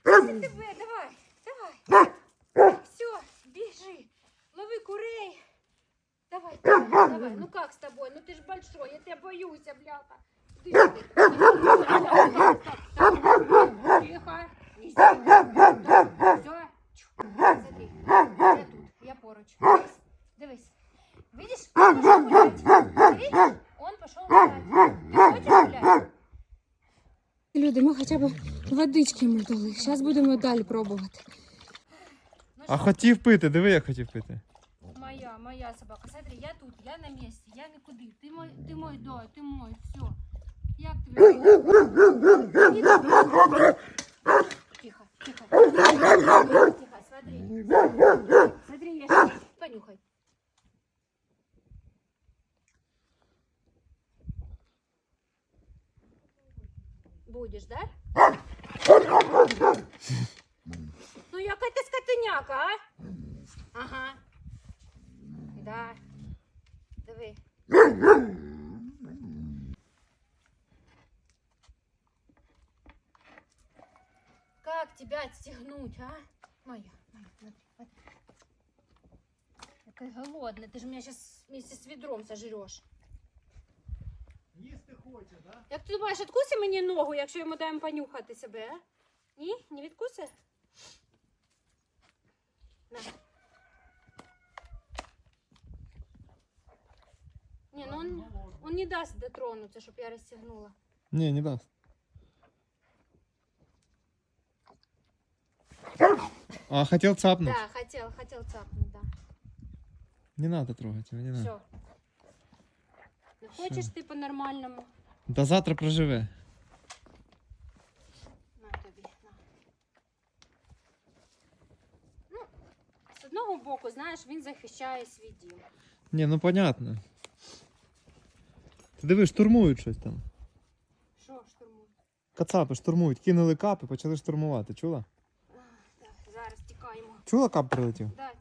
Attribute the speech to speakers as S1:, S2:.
S1: Це тебе, давай. Все, бежи. Лови курей. Давай. Ну как с тобой? Ну ты ж большой, я тебя боюсь, бляха. Иди сюда. Тихо. Не все. Смотри, я тут, я поруч. Дивись. Видишь, он пошел гулять. Видишь? Он пошел гулять. Ты хочешь гулять? Люди, ми хоча б водички йому дали. Зараз будемо далі пробувати.
S2: А хотів пити, диви, як хотів пити.
S1: Моя собака. Смотри, я тут, я на місці, я нікуди. Ти мой, да, ти мой, все. Як тобі? Тихо. Тихо, смотри. Смотри, я сейчас. Понюхай. Будешь, да? Ну, яка ти скотиняка, а? Ага. Да. Диви. Как тебя отстегнуть, а? Моя, смотри. Какая голодная. Ты же меня сейчас вместе с ведром сожрешь.
S2: Їсти хоче, да?
S1: Як ти думаєш, відкуси мені ногу, якщо йому даємо понюхати себе, а? Ні? Не відкуси? На. Не, ну он не даст дотронуться, щоб я розстегнула.
S2: Ні, не дасть. А, хотел цапнуть?
S1: Да, хотел цапнуть, да.
S2: Не надо трогать его, не надо.
S1: Все. Не хочеш ти по-нормальному?
S2: До завтра проживе.
S1: На тобі, на. Ну, з одного боку, знаєш, він захищає свій дім.
S2: Ні, ну понятно. Ти диви, штурмують щось там.
S1: Що штурмує?
S2: Кацапи штурмують, кинули капи, почали штурмувати. Чула?
S1: Так, зараз тікаємо.
S2: Чула, кап прилетів?
S1: Да,